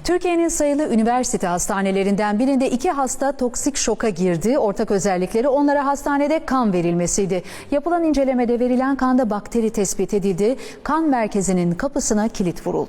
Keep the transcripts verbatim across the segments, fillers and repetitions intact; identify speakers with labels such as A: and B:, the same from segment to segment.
A: Türkiye'nin sayılı üniversite hastanelerinden birinde iki hasta toksik şoka girdi. Ortak özellikleri onlara hastanede kan verilmesiydi. Yapılan incelemede verilen kanda bakteri tespit edildi. Kan merkezinin kapısına kilit vuruldu.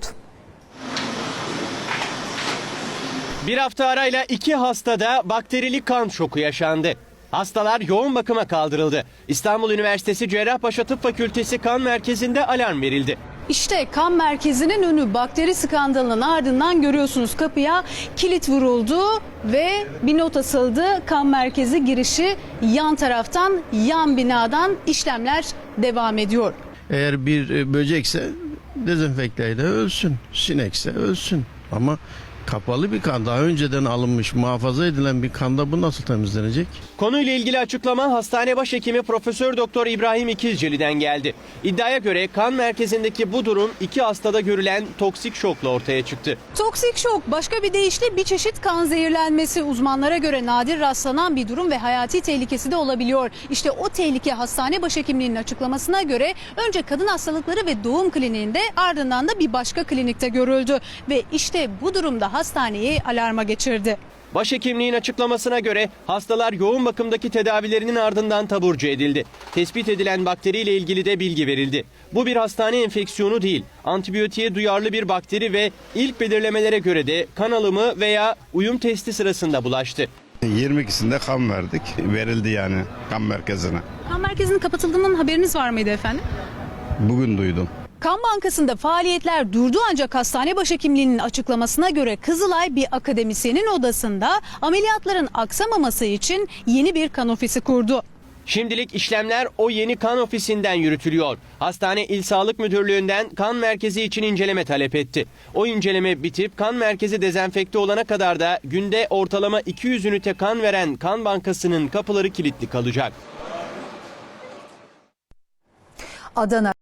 B: Bir hafta arayla iki hastada bakterili kan şoku yaşandı. Hastalar yoğun bakıma kaldırıldı. İstanbul Üniversitesi Cerrahpaşa Tıp Fakültesi kan merkezinde alarm verildi.
C: İşte kan merkezinin önü, bakteri skandalının ardından görüyorsunuz kapıya kilit vuruldu ve bir not asıldı. Kan merkezi girişi yan taraftan, yan binadan işlemler devam ediyor.
D: Eğer bir böcekse dezenfekteyle ölsün, sinekse ölsün ama kapalı bir kan, daha önceden alınmış, muhafaza edilen bir kanda bu nasıl temizlenecek?
B: Konuyla ilgili açıklama hastane başhekimi Profesör Doktor İbrahim İkizceli'den geldi. İddiaya göre kan merkezindeki bu durum iki hastada görülen toksik şokla ortaya çıktı.
C: Toksik şok başka bir deyişle bir çeşit kan zehirlenmesi, uzmanlara göre nadir rastlanan bir durum ve hayati tehlikesi de olabiliyor. İşte o tehlike hastane başhekimliğinin açıklamasına göre önce kadın hastalıkları ve doğum kliniğinde, ardından da bir başka klinikte görüldü ve işte bu durumda hastaneyi alarma geçirdi.
B: Başhekimliğin açıklamasına göre hastalar yoğun bakımdaki tedavilerinin ardından taburcu edildi. Tespit edilen bakteriyle ilgili de bilgi verildi. Bu bir hastane enfeksiyonu değil, antibiyotiğe duyarlı bir bakteri ve ilk belirlemelere göre de kan alımı veya uyum testi sırasında bulaştı.
E: yirmi ikisinde kan verdik, verildi yani kan merkezine.
C: Kan merkezinin kapatıldığından haberiniz var mıydı efendim?
E: Bugün duydum.
C: Kan Bankası'nda faaliyetler durdu ancak hastane başhekimliğinin açıklamasına göre Kızılay bir akademisyenin odasında ameliyatların aksamaması için yeni bir kan ofisi kurdu.
B: Şimdilik işlemler o yeni kan ofisinden yürütülüyor. Hastane İl Sağlık Müdürlüğü'nden kan merkezi için inceleme talep etti. O inceleme bitip kan merkezi dezenfekte olana kadar da günde ortalama iki yüz ünite kan veren Kan Bankası'nın kapıları kilitli kalacak.
A: Adana